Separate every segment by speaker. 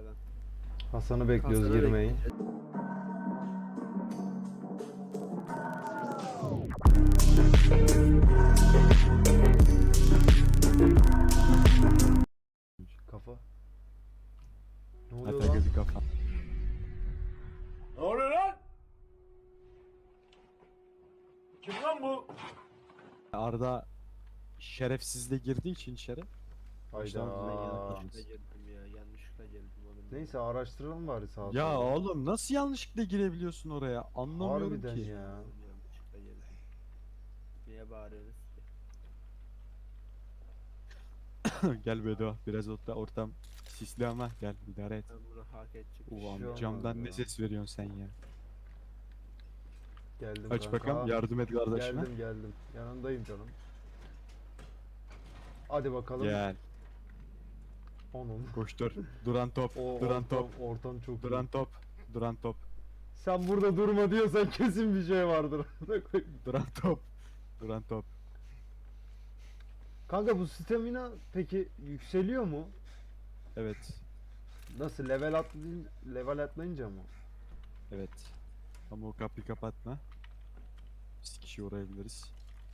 Speaker 1: aşağıdan.
Speaker 2: Hasan'ı bekliyoruz,
Speaker 1: Hasan'ı
Speaker 2: girmeyin. Kafa. Ne oluyor
Speaker 3: Hatta
Speaker 2: lan?
Speaker 3: gözü kafa.
Speaker 4: Ne oluyor lan? Kim lan bu?
Speaker 3: Arda şerefsizle girdiği için içeri.
Speaker 2: Hayda.
Speaker 1: Yanlışlıkla girdim ya. Yanlışlıkla girdim oğlum.
Speaker 2: Neyse araştıralım bari sağa sola.
Speaker 3: Ya oğlum nasıl yanlışlıkla girebiliyorsun oraya? Anlamıyorum
Speaker 2: Harbiden
Speaker 3: ki.
Speaker 2: ya.
Speaker 1: Yanlışlıkla girdim. Niye bağırıyorsunuz ki?
Speaker 3: Gel Bedo biraz ortam sisli ama gel idare et.
Speaker 1: Ben bunu hak edecek.
Speaker 3: Ulan
Speaker 2: şey olmaz
Speaker 3: camdan
Speaker 2: ya.
Speaker 3: ne ses veriyorsun sen ya?
Speaker 2: Geldim
Speaker 3: Aç
Speaker 2: kanka.
Speaker 3: bakalım yardım et kardeşime.
Speaker 2: Geldim. Yanındayım canım. Hadi bakalım.
Speaker 3: Gel
Speaker 2: Onun.
Speaker 3: koştur. Duran top.
Speaker 2: O
Speaker 3: Duran top.
Speaker 2: ortam çok iyi.
Speaker 3: Duran top. Duran top.
Speaker 2: Sen burada durma diyorsan kesin bir şey vardır.
Speaker 3: Duran top. Duran top.
Speaker 2: Kanka bu stamina peki yükseliyor mu?
Speaker 3: Evet.
Speaker 2: Nasıl level atlayınca mı?
Speaker 3: Evet. Ama o kapıyı kapatma. Biz kişi uğrayabiliriz.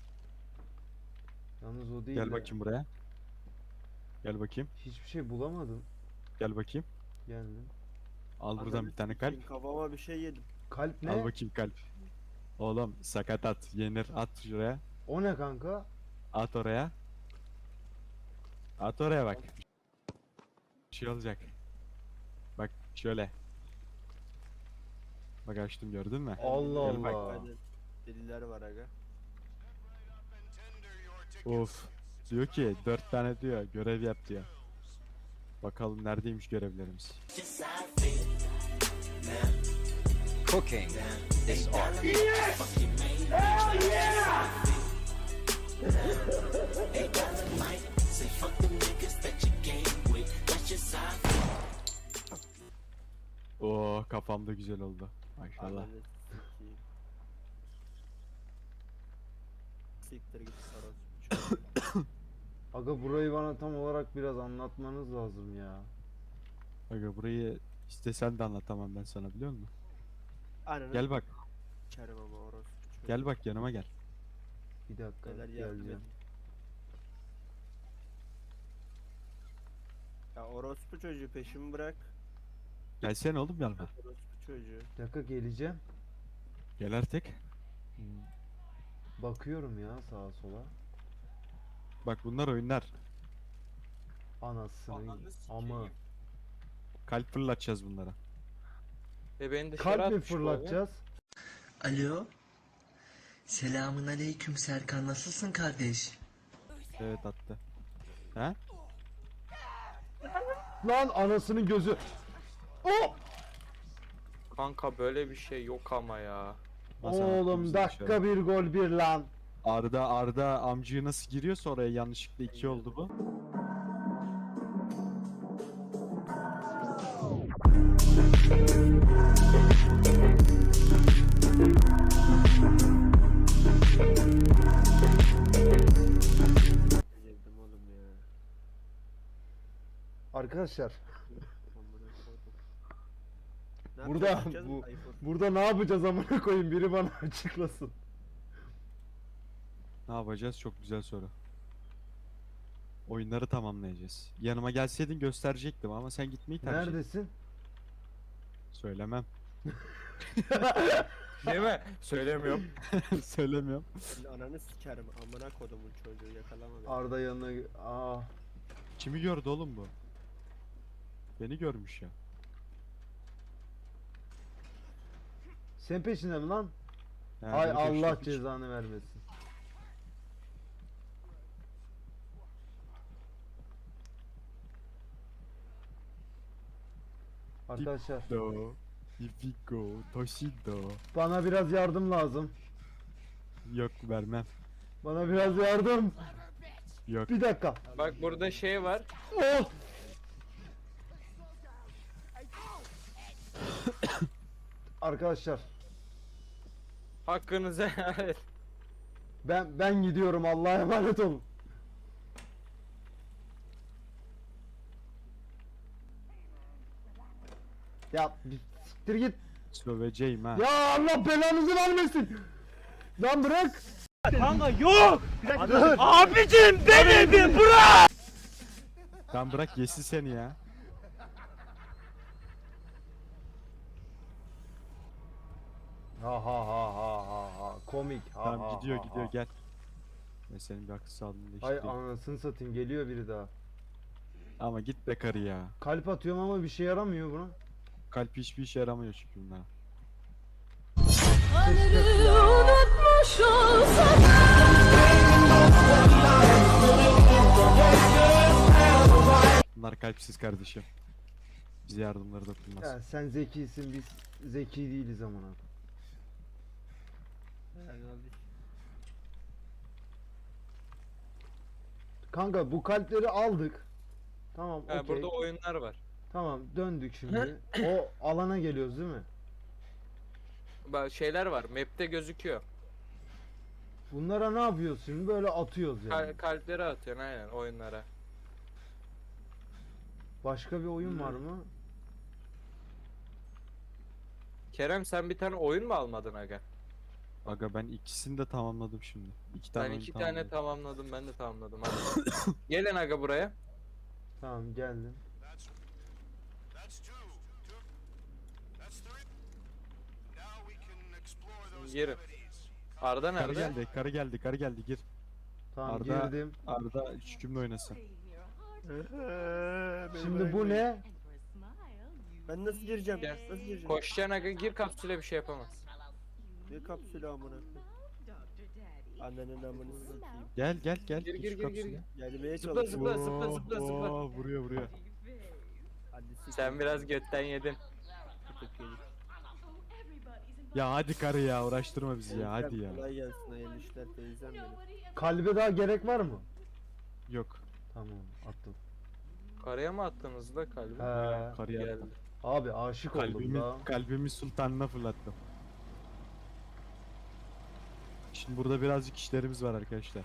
Speaker 2: Yalnız o değil
Speaker 3: Gel
Speaker 2: de
Speaker 3: bakayım buraya. Gel bakayım.
Speaker 2: hiçbir şey bulamadım.
Speaker 3: Gel bakayım.
Speaker 2: Geldim.
Speaker 3: Al buradan bir tane kalp.
Speaker 1: Kafama bir şey yedim.
Speaker 2: Kalp ne?
Speaker 3: Al bakayım kalp. Oğlum sakat at. Yenir. At şuraya.
Speaker 2: O ne kanka?
Speaker 3: At oraya. At oraya bak. Bir şey olacak. Bak şöyle. Bak açtım gördün mü?
Speaker 2: Allah
Speaker 3: Gel bak.
Speaker 2: Allah.
Speaker 1: Hadi. Deliler var aga.
Speaker 3: Of. Diyor ki 4 tane diyor görev yap diyor. Bakalım neredeymiş görevlerimiz.
Speaker 5: Cooking is art.
Speaker 3: Oo kafamda güzel oldu. Maşallah.
Speaker 1: Ananı sikeyim. Siktir git sarhoş.
Speaker 2: Aga burayı bana tam olarak biraz anlatmanız lazım ya.
Speaker 3: Aga burayı istesen de anlatamam ben sana biliyor musun?
Speaker 1: Ananı
Speaker 3: Gel bak.
Speaker 1: sikerim ama orospu çocuğu.
Speaker 3: Gel bak yanıma gel.
Speaker 2: Bir dakika
Speaker 1: Neler yardım
Speaker 2: geleceğim.
Speaker 1: edin. Ya orospu çocuğu peşimi bırak.
Speaker 3: Gelsene oğlum yanıma.
Speaker 1: Orospu çocuğu.
Speaker 2: Bir dakika geleceğim.
Speaker 3: Gel artık.
Speaker 2: Bakıyorum ya sağa sola.
Speaker 3: Bak bunlar oyunlar.
Speaker 2: Anasını ama
Speaker 3: Kalp fırlatacağız bunlara.
Speaker 6: Beni dışarı
Speaker 2: kalp mi
Speaker 6: atmış bu abi.
Speaker 2: fırlatacağız?
Speaker 7: Alo. Selamun aleyküm Serkan. Nasılsın kardeş?
Speaker 3: Evet attı. He?
Speaker 2: Lan anasının gözü. Oh!
Speaker 6: Kanka böyle bir şey yok ama ya.
Speaker 3: Hasan
Speaker 2: Oğlum
Speaker 3: attı bizi
Speaker 2: dakika
Speaker 3: dışarı.
Speaker 2: bir gol bir lan.
Speaker 3: Arda amcığı nasıl giriyorsa oraya yanlışlıkla 2 oldu bu.
Speaker 1: Girdim oğlum ya.
Speaker 2: Arkadaşlar
Speaker 1: Amına koydum. Ne
Speaker 2: Burada
Speaker 1: yapacağız,
Speaker 2: bu-
Speaker 1: yapacağız mı?
Speaker 2: burada ne yapacağız amına koyayım, biri bana açıklasın.
Speaker 3: Ne yapacağız? Çok güzel soru. Oyunları tamamlayacağız. Yanıma gelseydin gösterecektim ama sen gitmeyi tercih ettin.
Speaker 2: Neredesin?
Speaker 3: Söylemem.
Speaker 6: Değil mi? Söylemiyorum.
Speaker 3: Söylemiyorum.
Speaker 1: Şimdi ananı sikerim amına kodumun çocuğu yakalama beni.
Speaker 2: Arda yanına
Speaker 3: Kimi gördü oğlum bu? Beni görmüş ya.
Speaker 2: sen peşinde mi lan?
Speaker 3: Ha,
Speaker 2: Ay
Speaker 3: beni
Speaker 2: Allah
Speaker 3: peşlemiş.
Speaker 2: cezanı vermesin. Arkadaşlar
Speaker 3: Do, Ifigo, Toshido.
Speaker 2: bana biraz yardım lazım.
Speaker 3: Yok vermem.
Speaker 2: Bana biraz yardım.
Speaker 3: Yok.
Speaker 2: Bir dakika.
Speaker 6: Bak burada şey var.
Speaker 2: Oh! Arkadaşlar
Speaker 6: Hakkınızı helal et.
Speaker 2: ben gidiyorum, Allah'a emanet olun. Ya bir siktir git.
Speaker 3: Söveceğim ha.
Speaker 2: Ya Allah belanızı vermesin. Lan bırak.
Speaker 1: Kanka yok. Abicim beni bir bırak.
Speaker 3: Lan bırak yesin seni ya.
Speaker 2: Ha ha ha ha ha ha. Komik. Ha,
Speaker 3: Tamam
Speaker 2: ha,
Speaker 3: gidiyor
Speaker 2: ha,
Speaker 3: gidiyor
Speaker 2: ha.
Speaker 3: gel. Ben senin bir akıl sağlığında
Speaker 2: Ay
Speaker 3: işte.
Speaker 2: anasını satayım, geliyor biri daha.
Speaker 3: Ama git be karı ya.
Speaker 2: Kalp atıyorum ama bir şey yaramıyor buna.
Speaker 3: Kalp hiçbir işe yaramıyor çünkü bunlar.
Speaker 8: Unutmuş olsam
Speaker 3: Bunlar kalpsiz kardeşim. Bize yardımları dokunmaz.
Speaker 2: Ya sen zekisin, biz zeki değiliz amına. Kanka bu kalpleri aldık. Tamam,
Speaker 6: Ha,
Speaker 2: okey.
Speaker 6: burada oyunlar var.
Speaker 2: Tamam, döndük şimdi. O alana geliyoruz değil mi?
Speaker 6: Bak şeyler var. Map'te gözüküyor.
Speaker 2: Bunlara ne yapıyoruz şimdi? Böyle atıyoruz yani.
Speaker 6: Kalpleri atıyorsun aynen oyunlara.
Speaker 2: Başka bir oyun var mı?
Speaker 6: Kerem sen bir tane oyun mu almadın aga?
Speaker 3: Aga ben ikisini de tamamladım şimdi. İki tane
Speaker 6: Ben
Speaker 3: oyun
Speaker 6: iki tane
Speaker 3: tamamladım.
Speaker 6: tamamladım, ben de tamamladım. Hadi. Gelin aga buraya.
Speaker 2: Tamam, geldim.
Speaker 6: Girin. Arda
Speaker 3: Karı
Speaker 6: nerede?
Speaker 3: geldi, karı geldi, karı geldi gir.
Speaker 2: Tamam,
Speaker 3: Arda-
Speaker 2: girdim.
Speaker 3: Arda hükümlü oynasın.
Speaker 2: Şimdi bu ne?
Speaker 1: Ben nasıl gireceğim?
Speaker 6: Gel.
Speaker 1: Nasıl gireceğim?
Speaker 6: Koşacaksın aga, gir kapsüle, bir şey yapamaz.
Speaker 1: Ne kapsülü amına koyayım? Annenin amını satayım.
Speaker 3: Gel gel gel.
Speaker 6: Gir,
Speaker 3: Geç
Speaker 6: gir,
Speaker 3: şu
Speaker 6: gir, gir,
Speaker 3: kapısına.
Speaker 1: Gelmeye
Speaker 6: Zıpla,
Speaker 1: çalışıyorum.
Speaker 6: zıpla, zıpla, zıpla, zıpla.
Speaker 3: Oo, vuruyor vuruyor.
Speaker 1: Hadi siktir.
Speaker 6: Sen biraz götten yedin.
Speaker 1: Tutuk yedik.
Speaker 3: Ya hadi karı ya uğraştırma bizi ya hadi ya.
Speaker 1: Kolay gelsin hayırlı işler teyzem benim.
Speaker 2: Kalbe daha gerek var mı?
Speaker 3: Yok.
Speaker 2: Tamam, attım.
Speaker 6: Karaya mı attınız da kalbi?
Speaker 2: He.
Speaker 3: Karıya
Speaker 6: Geldi.
Speaker 3: attım.
Speaker 2: Abi aşık oldum
Speaker 3: Kalbimi,
Speaker 2: daha.
Speaker 3: kalbimi sultanına fırlattım. Şimdi burada birazcık işlerimiz var arkadaşlar.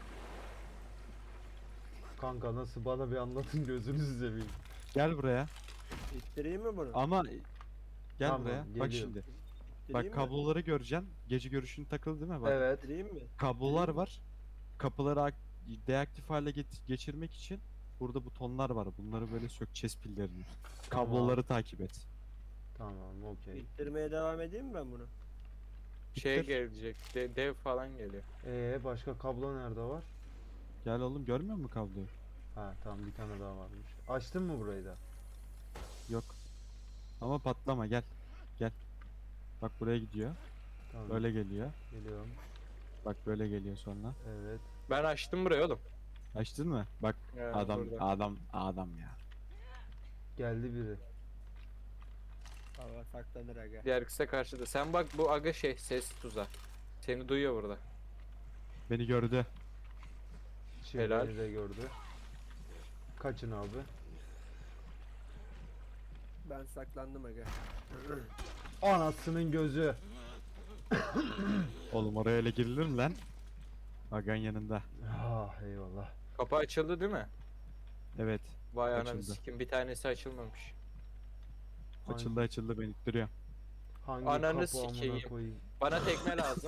Speaker 2: Kanka nasıl, bana bir anlatın, gözünüzü seveyim.
Speaker 3: Gel buraya.
Speaker 1: İttireyim mi bunu?
Speaker 3: Ama gel
Speaker 2: Tamam,
Speaker 3: buraya. Bak
Speaker 2: geliyorum.
Speaker 3: şimdi.
Speaker 1: İttireyim
Speaker 3: Bak
Speaker 1: mi?
Speaker 3: kabloları göreceksin. Gece görüşün takılı değil mi? Bak.
Speaker 2: Evet.
Speaker 1: İttireyim mi?
Speaker 3: Kablolar var. Kapıları deaktif hale geçirmek için burada butonlar var. Bunları böyle sökeceğiz pillerini.
Speaker 2: Tamam.
Speaker 3: Kabloları takip et.
Speaker 2: Tamam, okey.
Speaker 1: İttirmeye devam edeyim mi ben bunu?
Speaker 6: Şey
Speaker 3: Bitir.
Speaker 6: gelecek, dev falan geliyor.
Speaker 2: Başka kablo nerede var?
Speaker 3: Gel oğlum görmüyor musun kabloyu?
Speaker 2: Ha tamam, bir tane daha varmış. Açtın mı burayı da?
Speaker 3: Yok. Ama patlama gel. Gel. Bak buraya gidiyor.
Speaker 2: Tamam.
Speaker 3: Böyle geliyor.
Speaker 2: Geliyorum.
Speaker 3: Bak böyle geliyor sonra.
Speaker 2: Evet.
Speaker 6: Ben açtım burayı oğlum.
Speaker 3: Açtın mı? Bak
Speaker 6: Ya,
Speaker 3: adam
Speaker 6: burada.
Speaker 3: adam ya.
Speaker 2: Geldi biri.
Speaker 1: Hava saklanır aga.
Speaker 6: Diğer kısa karşıda. Sen bak bu aga şey ses tuzağı. Seni duyuyor burada.
Speaker 3: Beni gördü.
Speaker 2: Şimdi
Speaker 6: Helal.
Speaker 2: beni de gördü. Kaçın abi.
Speaker 1: Ben saklandım aga.
Speaker 2: Anasının gözü.
Speaker 3: Oğlum oraya öyle girilir mi lan? Agan yanında.
Speaker 2: Ah eyvallah.
Speaker 6: Kapı açıldı değil mi?
Speaker 3: Evet.
Speaker 6: Vay ananı
Speaker 3: Açıldı.
Speaker 6: sikim, bir tanesi açılmamış.
Speaker 3: Açıldı açıldı beni ittiriyor.
Speaker 2: Hangi
Speaker 6: Ananı
Speaker 2: kapı amına
Speaker 6: sikeyim.
Speaker 2: koyayım?
Speaker 6: Bana tekme lazım.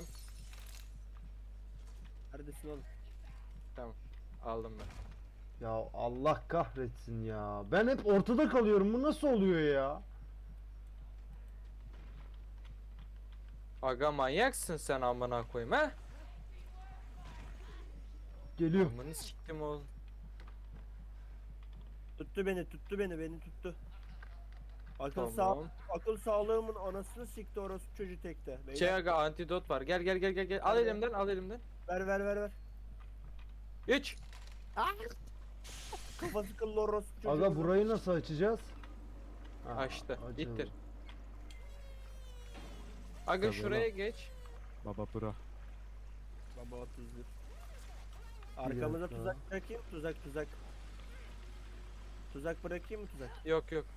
Speaker 1: Neredesin oğlum?
Speaker 6: Aldım ben.
Speaker 2: Ya Allah kahretsin ya. Ben hep ortada kalıyorum. Bu nasıl oluyor ya?
Speaker 6: Aga manyaksın sen amına koyayım ha?
Speaker 2: Geliyor.
Speaker 6: Amını siktim oğlum.
Speaker 1: Tuttu beni tuttu. Akıl
Speaker 6: Tamam.
Speaker 1: akıl sağlığımın anasını sikti orası çocuğu tekte. Beyler,
Speaker 6: Şey aga antidot var. Gel gel gel gel gel. Al
Speaker 1: Nerede?
Speaker 6: elimden, al elimden.
Speaker 1: ver.
Speaker 6: 3.
Speaker 1: Kafası kıllı orası çocuğu.
Speaker 2: Aga burayı nasıl açacağız? Ha,
Speaker 6: Açtı.
Speaker 2: açıldı.
Speaker 6: İttir. Aga
Speaker 3: Tabii
Speaker 6: şuraya geç.
Speaker 3: Baba bro.
Speaker 1: Baba 31. Arkamıza
Speaker 2: dakika.
Speaker 1: tuzak bırakayım tuzak. Tuzak bırakayım mı tuzak?
Speaker 6: Yok yok.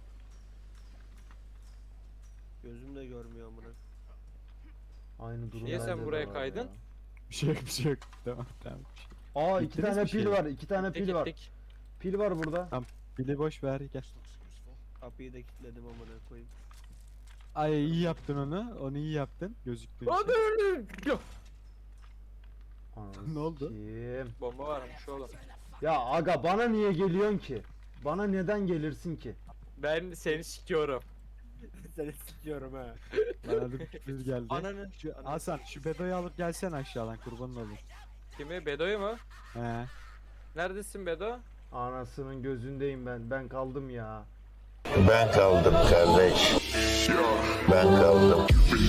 Speaker 1: Gözüm de görmüyor amına.
Speaker 2: Aynı durum.
Speaker 6: Niye sen
Speaker 2: bende de
Speaker 6: buraya
Speaker 2: var
Speaker 6: kaydın?
Speaker 2: ya.
Speaker 3: Bir şey yok bir şey yok. Tamam tamam.
Speaker 2: Aa, iki
Speaker 3: Bittiniz
Speaker 2: tane
Speaker 3: mi
Speaker 2: pil
Speaker 3: şeyi?
Speaker 2: var. 2 tane
Speaker 6: Gittik,
Speaker 2: pil var.
Speaker 6: gittik.
Speaker 2: Pil var burada.
Speaker 3: Pili boş ver gel.
Speaker 1: Kapıyı da kilitledim amına koyayım.
Speaker 3: Ay iyi yaptın onu. Onu iyi yaptın. Gözüktüğü
Speaker 6: Hadi
Speaker 3: şey.
Speaker 6: öyle.
Speaker 2: Ananı
Speaker 3: Ne oldu?
Speaker 2: sikeyim.
Speaker 6: Bomba varmış oğlum.
Speaker 2: Ya aga bana niye geliyorsun ki? Bana neden gelirsin ki?
Speaker 6: Ben seni sikiyorum.
Speaker 1: Seni sikiyorum ha.
Speaker 3: Bana bir sürpriz geldi.
Speaker 1: Ananı.
Speaker 3: Şu, Hasan şu Bedo'yu alıp gelsen aşağıdan kurbanın olayım.
Speaker 6: Kimi? Bedo'yu mu?
Speaker 3: He.
Speaker 6: Neredesin Bedo?
Speaker 2: Anasının gözündeyim ben. Ben kaldım ya.
Speaker 9: Ben kaldım kardeş. Ben kaldım.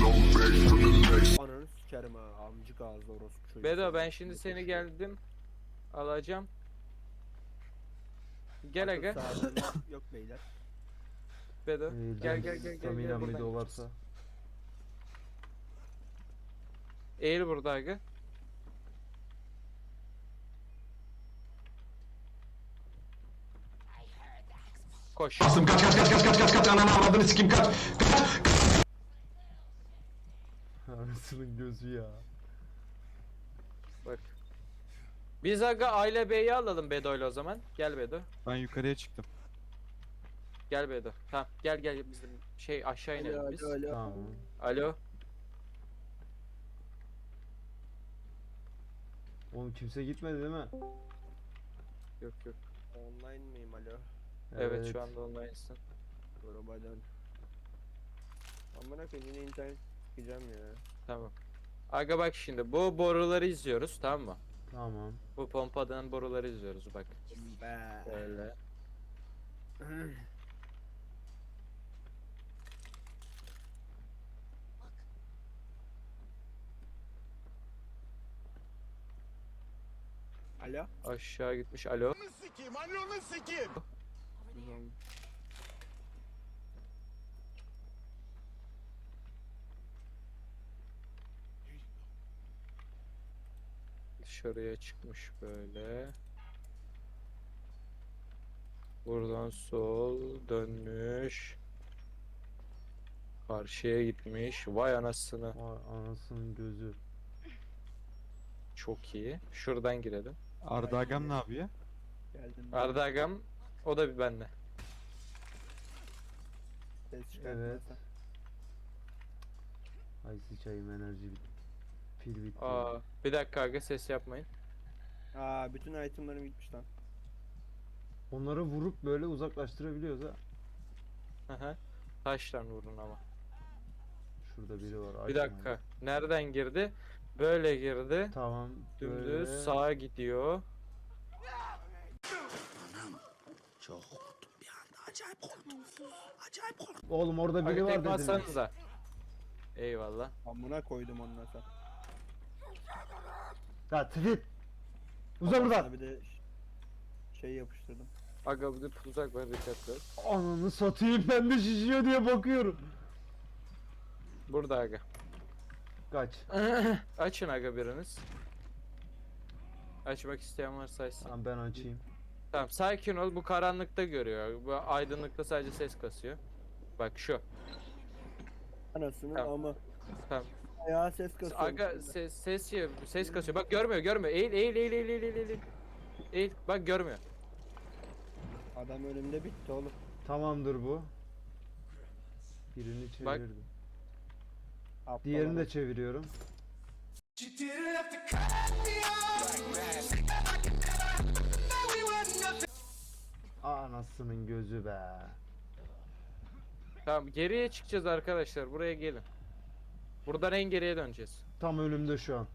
Speaker 1: Ananı sikerim ha. Amcık ağzı orospu çocuğu.
Speaker 6: Bedo ben şimdi seni geldim. Alacağım. Gel
Speaker 1: Akıl
Speaker 6: aga.
Speaker 1: sağlığına yok beyler.
Speaker 6: Bedo. Gel
Speaker 2: Staminam bir
Speaker 6: buradan.
Speaker 2: dolarsa.
Speaker 6: Eğil burada aga. Koş.
Speaker 2: Anasının gözü ya.
Speaker 6: Bak. Biz aga Aile Bey'i alalım Bedo'yla o zaman. Gel Bedo.
Speaker 3: Ben yukarıya çıktım.
Speaker 6: Gel Bedo. Tamam gel bizim şey aşağı inelim biz.
Speaker 2: Tamam.
Speaker 6: Alo.
Speaker 2: Oğlum kimse gitmedi değil mi?
Speaker 6: Yok.
Speaker 1: Online miyim alo?
Speaker 6: Evet, şu anda online'sın.
Speaker 1: Yorubadan. Amına koyayım yine internet çıkacağım ya.
Speaker 6: Tamam. Aga bak şimdi bu boruları izliyoruz tamam mı?
Speaker 2: Tamam.
Speaker 6: Bu pompadan boruları izliyoruz bak.
Speaker 1: Be.
Speaker 6: Böyle.
Speaker 1: Alo?
Speaker 6: Aşağı gitmiş. Alo. Dışarıya çıkmış böyle. Buradan sol dönmüş. Karşıya gitmiş. Vay anasını.
Speaker 2: Vay anasının gözü.
Speaker 6: Çok iyi. Şuradan girelim.
Speaker 3: Arda Agam ne yapıyor?
Speaker 1: Geldim.
Speaker 6: Arda Agam o da bir bende.
Speaker 1: Ses çıkartmazsan.
Speaker 2: Ay sıçayım enerji bitti. Pil bitti.
Speaker 6: Aa, bir dakika aga ses yapmayın.
Speaker 1: Aa bütün itemlerim gitmiş lan.
Speaker 2: Onları vurup böyle uzaklaştırabiliyoruz ha.
Speaker 6: Aha. Taştan vurun ama.
Speaker 2: Şurada biri var.
Speaker 6: Bir
Speaker 2: açma
Speaker 6: dakika.
Speaker 2: ya.
Speaker 6: Nereden girdi? Böyle girdi.
Speaker 2: Tamam.
Speaker 6: Dümdüz
Speaker 2: Böyle.
Speaker 6: sağa gidiyor.
Speaker 2: Oğlum orada biri
Speaker 6: Aga
Speaker 2: var
Speaker 6: tek
Speaker 2: dedim.
Speaker 6: bassanıza. Eyvallah.
Speaker 1: Amına koydum ondan sonra.
Speaker 2: Ya tifit. Uza
Speaker 1: Kafasına
Speaker 2: buradan.
Speaker 1: Bir de şey yapıştırdım.
Speaker 6: Aga bir de tuzak var dikkatli ol.
Speaker 2: Ananı satayım ben de şişiyor diye bakıyorum.
Speaker 6: Burada aga.
Speaker 2: Kaç.
Speaker 6: Açın aga biriniz. Açmak isteyen varsa açsın.
Speaker 2: Tamam ben açayım.
Speaker 6: Tamam sakin ol bu karanlıkta görüyor. Bu aydınlıkta sadece ses kasıyor. Bak şu.
Speaker 1: Anasını
Speaker 6: Tamam.
Speaker 1: ama.
Speaker 6: Tamam.
Speaker 1: Ya ses kasıyor.
Speaker 6: Aga ses kasıyor. Bak görmüyor. Eğil. Eğil. Bak görmüyor.
Speaker 1: Adam önümde bitti oğlum.
Speaker 2: Tamamdır bu. Birini
Speaker 6: Bak.
Speaker 2: çevirdim.
Speaker 1: Aptal
Speaker 2: Diğerini de
Speaker 1: adam.
Speaker 2: çeviriyorum. Anasının gözü be.
Speaker 6: Tamam geriye çıkacağız arkadaşlar. Buraya gelin. Buradan en geriye döneceğiz.
Speaker 2: Tam önümde şu an.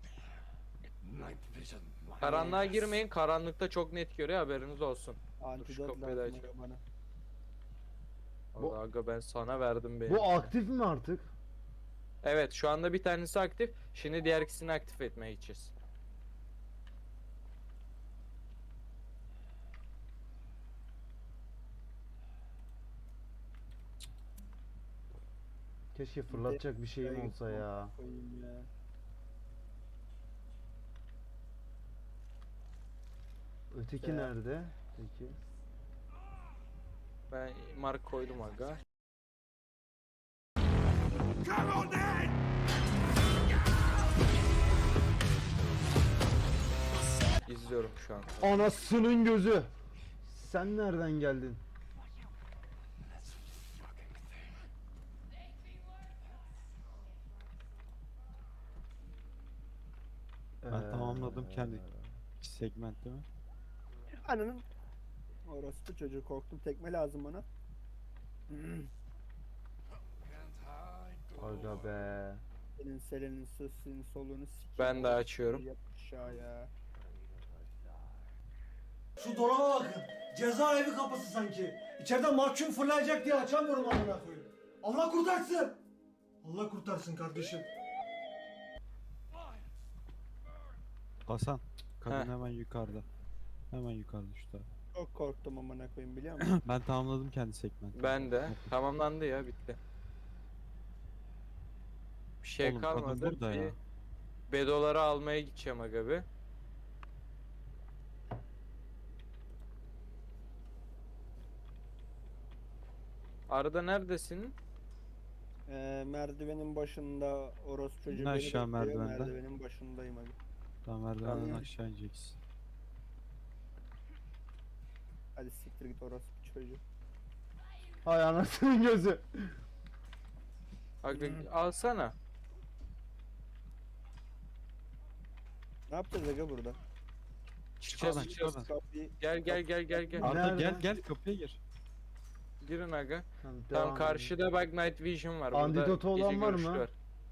Speaker 6: Karanlığa girmeyin. Karanlıkta çok net görüyor haberiniz olsun.
Speaker 1: Antidot
Speaker 6: kapıyı da
Speaker 1: lazım
Speaker 6: açıyorum.
Speaker 1: bana.
Speaker 2: Bu-
Speaker 6: Allah aga ben sana verdim beni.
Speaker 2: Bu aktif mi artık?
Speaker 6: Evet şu anda bir tanesi aktif. Şimdi diğer ikisini aktif etmeye gideceğiz.
Speaker 2: Keşke fırlatacak bir şeyim olsa ya.
Speaker 1: Koyayım ya.
Speaker 2: Öteki
Speaker 1: Ya.
Speaker 2: nerede? Peki.
Speaker 6: Ben mark koydum aga. İzliyorum şu an.
Speaker 2: Anasının gözü. Sen nereden geldin?
Speaker 3: Tamamladım kendi segment değil mi?
Speaker 1: Ananın. Orası çocuğu, korktum, tekme lazım bana.
Speaker 2: Aga be.
Speaker 1: Senin selenin sesini solunu sikeyim.
Speaker 6: Ben de açıyorum.
Speaker 1: Yap aşağıya.
Speaker 10: Şu dolaba bakın. Cezaevi kapısı sanki. İçeriden mahkum fırlayacak diye açamıyorum amına koyayım. Allah kurtarsın. Allah kurtarsın kardeşim.
Speaker 3: Hasan. Kadın
Speaker 6: Heh.
Speaker 3: hemen yukarıda. Hemen yukarıda şu taraf.
Speaker 1: Çok korktum amına koyayım, biliyor musun?
Speaker 3: Ben tamamladım kendi segmenti.
Speaker 6: Ben de. Tamamlandı ya, bitti. Bir şey
Speaker 3: Oğlum, kadın
Speaker 6: kalmadı.
Speaker 3: burada ya.
Speaker 6: Bedoları almaya gideceğim aga bir. Arda neredesin?
Speaker 1: Merdivenin başında orospu çocuğu
Speaker 3: İn
Speaker 1: beni
Speaker 3: aşağı
Speaker 1: bekliyor.
Speaker 3: merdivenden.
Speaker 1: Merdivenin başındayım hadi.
Speaker 3: Tamam, merdivenden
Speaker 1: Tamam.
Speaker 3: aşağı ineceksin.
Speaker 1: Hadi siktir git orospu çocuğu.
Speaker 2: Hay anasının gözü.
Speaker 6: Aga alsana.
Speaker 1: Ne yapacağız aga burada?
Speaker 6: Çıkacağız
Speaker 3: oradan, çık
Speaker 6: çıkacağız.
Speaker 3: oradan.
Speaker 1: Kapıyı
Speaker 6: Gel.
Speaker 3: Arda
Speaker 2: Nerede?
Speaker 3: gel kapıya gir.
Speaker 6: Girin aga.
Speaker 2: Tamam,
Speaker 6: Tam
Speaker 2: devam
Speaker 6: karşıda bak Night Vision var. Burada
Speaker 2: Antidotu olan
Speaker 6: gece
Speaker 2: var
Speaker 6: görüşü
Speaker 2: mı?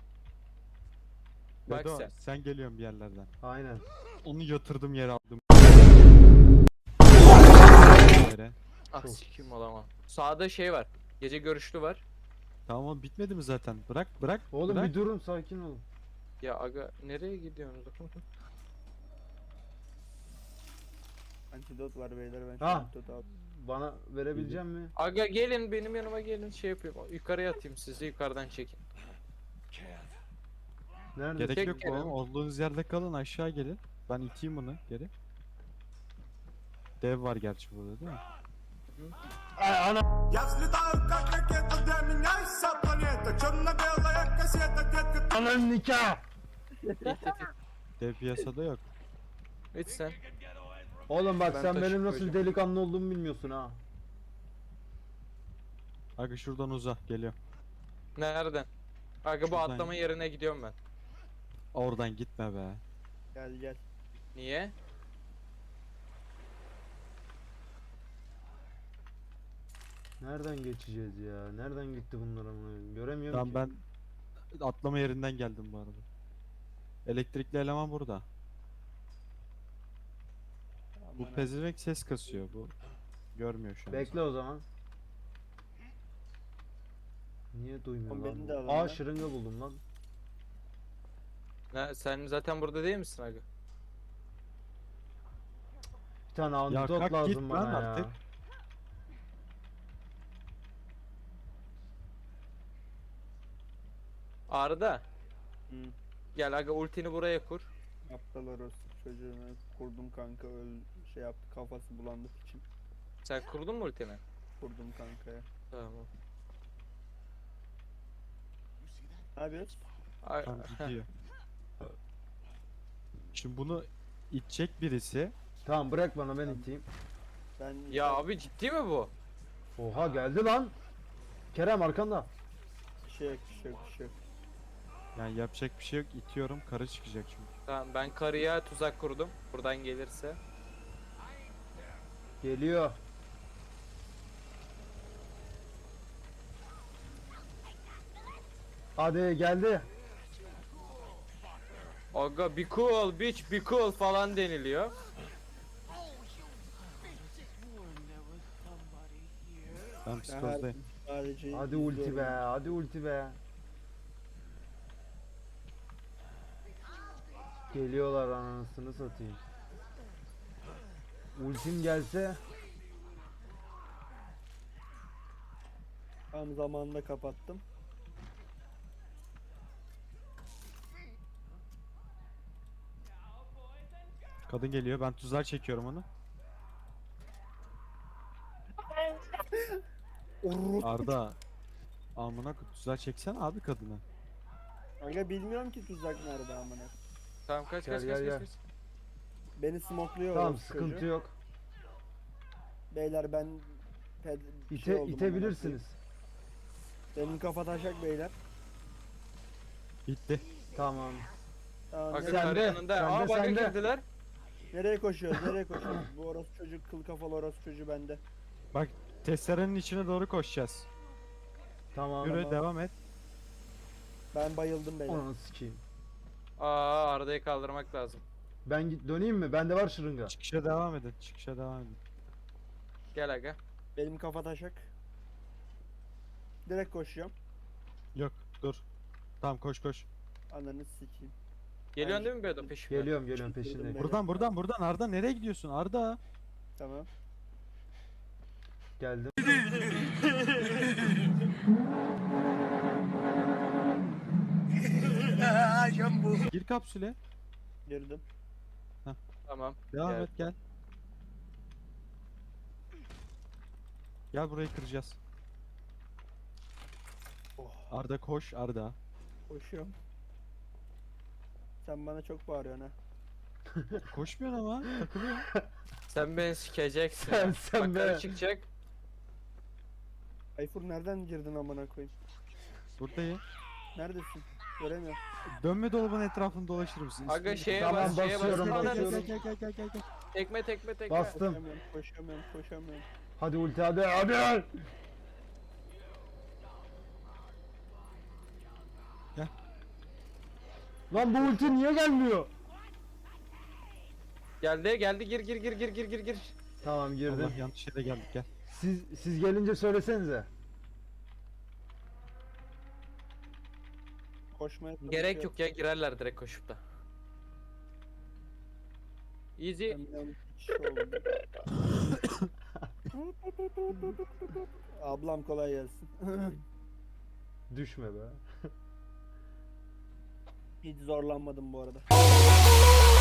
Speaker 6: Bak
Speaker 3: Bedo,
Speaker 6: sen.
Speaker 3: sen geliyorsun bir yerlerden.
Speaker 2: Aynen.
Speaker 3: Onu yatırdım yere aldım. Yere.
Speaker 6: Ah
Speaker 2: Çok.
Speaker 6: sikim olamam. Sağda şey var. Gece görüşlü var.
Speaker 3: Tamam oğlum, bitmedi mi zaten? Bırak.
Speaker 2: Oğlum
Speaker 3: bırak.
Speaker 2: bir durun, sakin olun.
Speaker 6: Ya aga nereye gidiyorsunuz?
Speaker 1: antidot var beyler, ben şu
Speaker 2: Ha.
Speaker 1: antidot aldım.
Speaker 2: Bana verebilecek mi?
Speaker 6: Aga gelin benim yanıma gelin, şey yapayım. Yukarıya atayım, sizi yukarıdan çekin.
Speaker 2: Nerede?
Speaker 3: Gerek
Speaker 6: Tek
Speaker 3: yok
Speaker 6: kere.
Speaker 3: oğlum. Olduğunuz yerde kalın, aşağı gelin. Ben iteyim bunu geri. Dev var gerçi burada değil mi?
Speaker 2: Ananın nikah.
Speaker 3: Dev piyasada yok.
Speaker 6: Hiç sen.
Speaker 2: Oğlum bak,
Speaker 6: Ben
Speaker 2: sen
Speaker 6: taşı
Speaker 2: benim nasıl
Speaker 6: koyacağım.
Speaker 2: delikanlı olduğumu bilmiyorsun ha.
Speaker 3: Aga şuradan uza, geliyor.
Speaker 6: Nereden? Aga bu
Speaker 3: Şuradan
Speaker 6: atlama
Speaker 3: git.
Speaker 6: yerine gidiyorum ben.
Speaker 3: Oradan gitme be.
Speaker 1: Gel.
Speaker 6: Niye?
Speaker 2: Nereden geçeceğiz ya? Nereden gitti bunlar amına? Göremiyorum
Speaker 3: Tamam,
Speaker 2: ki.
Speaker 3: ben atlama yerinden geldim bu arada. Elektrikli eleman burada. Bu
Speaker 1: Aman
Speaker 3: pezevenk ses kasıyor bu. Görmüyor şu an.
Speaker 2: Bekle o zaman. Niye duymuyor
Speaker 1: Oğlum
Speaker 2: lan?
Speaker 1: beni
Speaker 2: bu?
Speaker 1: de alın
Speaker 2: Aa,
Speaker 1: lan.
Speaker 2: şırınga buldum lan.
Speaker 6: Sen zaten burada değil misin aga?
Speaker 2: Bir tane
Speaker 3: Ya
Speaker 2: antidot
Speaker 3: kalk
Speaker 2: lazım
Speaker 3: git
Speaker 2: bana
Speaker 3: lan
Speaker 2: ya.
Speaker 3: artık.
Speaker 6: Arda.
Speaker 1: Hı.
Speaker 6: Gel aga ultini buraya kur.
Speaker 1: Aptal orospu çocuğunu kurdum kanka, şey yaptı, kafası bulandı piçim.
Speaker 6: Sen kurdun mu ultini?
Speaker 1: Kurdum kankaya.
Speaker 6: Tamam.
Speaker 1: Ne yapıyorsun?
Speaker 6: Ay,
Speaker 3: Tamam, gidiyor. Şimdi bunu itecek birisi.
Speaker 2: Tamam, bırak bana, ben iteyim.
Speaker 1: Ben
Speaker 6: ya abi ciddi mi bu?
Speaker 2: Oha, geldi lan. Kerem arkanda.
Speaker 1: bir şey yok.
Speaker 3: Yani yapacak bir şey yok. İtiyorum, karı çıkacak çünkü.
Speaker 6: Tamam ben karıya tuzak kurdum. Buradan gelirse.
Speaker 2: Geliyor. Hadi geldi.
Speaker 6: Aga be cool bitch, be cool falan deniliyor.
Speaker 3: Ben psikozdayım.
Speaker 1: Sadece
Speaker 2: Hadi ulti be,
Speaker 1: izliyorum.
Speaker 2: hadi ulti be. Geliyorlar, anasını satayım. Ultim gelse
Speaker 1: Tam zamanında kapattım.
Speaker 3: Kadın geliyor. Ben tuzlar çekiyorum onu. Arda. Amına tuzlar çeksen abi kadını.
Speaker 1: Kanka bilmiyorum ki tuzak nerede amına.
Speaker 6: Tamam kaç
Speaker 2: Gel,
Speaker 6: kaç
Speaker 2: gel,
Speaker 6: kaç
Speaker 2: gel.
Speaker 6: kaç.
Speaker 1: Beni smokluyor
Speaker 2: tamam,
Speaker 1: orospu
Speaker 2: sıkıntı
Speaker 1: çocuğu.
Speaker 2: yok.
Speaker 1: Beyler ben şey oldum
Speaker 2: İtebilirsiniz.
Speaker 1: amına koyayım. Benim kafa taşak beyler.
Speaker 3: Bitti.
Speaker 2: Tamam.
Speaker 1: Tamam,
Speaker 6: Bakın
Speaker 2: Sende,
Speaker 6: karı yanında.
Speaker 2: sende,
Speaker 6: Aa bug'a
Speaker 2: sende.
Speaker 6: girdiler.
Speaker 1: nereye koşuyoruz? Nereye koşuyoruz? Bu orospu çocuk, kıl kafalı orospu çocuğu bende.
Speaker 3: Bak testerenin içine doğru koşacağız.
Speaker 2: Tamam.
Speaker 3: Yürü
Speaker 1: Tamam.
Speaker 3: devam et.
Speaker 1: Ben bayıldım beyler.
Speaker 2: Onu sikeyim.
Speaker 6: Aa Arda'yı kaldırmak lazım.
Speaker 2: Ben döneyim mi? Bende var şırınga.
Speaker 3: Çıkışa devam edin. Çıkışa devam edin.
Speaker 6: Gel aga.
Speaker 1: Benim kafa taşak. Direkt koşacağım.
Speaker 3: Yok dur. Tamam koş koş.
Speaker 1: Ananı sikeyim.
Speaker 6: Geliyorsun değil mi Bedo peşime?
Speaker 2: Geliyorum
Speaker 1: Çıktım
Speaker 2: peşindeyim.
Speaker 1: ben.
Speaker 3: Buradan Arda nereye gidiyorsun Arda?
Speaker 1: Tamam.
Speaker 2: Geldim.
Speaker 3: Gir kapsüle.
Speaker 1: Girdim.
Speaker 6: Tamam.
Speaker 3: Devam
Speaker 6: Gel.
Speaker 3: et gel. Gel burayı kıracağız.
Speaker 1: Oh.
Speaker 3: Arda koş Arda.
Speaker 1: Koşuyorum. Sen bana çok bağırıyorsun ha.
Speaker 3: Koşmuyorsun ama takılıyor.
Speaker 6: Sen beni sikeceksin.
Speaker 2: Sen
Speaker 6: Bak karı
Speaker 2: be.
Speaker 6: çıkacak.
Speaker 1: Ayfur nereden girdin amına koyayım?
Speaker 3: Buradayım.
Speaker 1: Neredesin? Göremiyorum.
Speaker 3: Dönme dolabın etrafını dolaşır mısın?
Speaker 6: Aga
Speaker 3: İsmini-
Speaker 6: şeye
Speaker 2: Tamam,
Speaker 6: bas, şeye bas.
Speaker 2: basıyorum,
Speaker 6: Ananı
Speaker 2: basıyorum.
Speaker 3: Gel gel gel gel gel.
Speaker 6: Tekme tekme tekme.
Speaker 2: Bastım.
Speaker 1: Koşamıyorum.
Speaker 2: Hadi ulti hadi.
Speaker 3: Gel.
Speaker 2: Lan bu ulti niye gelmiyor?
Speaker 6: Geldi gir.
Speaker 2: Tamam girdim.
Speaker 3: Allah yanlış yere geldik gel.
Speaker 2: Siz gelince söylesenize.
Speaker 1: Koşmaya
Speaker 6: Gerek yok ya girerler direkt koşup da. Easy.
Speaker 1: Ben yanlış kişi oldum. Ablam kolay gelsin.
Speaker 2: Düşme be.
Speaker 1: Hiç zorlanmadım bu arada.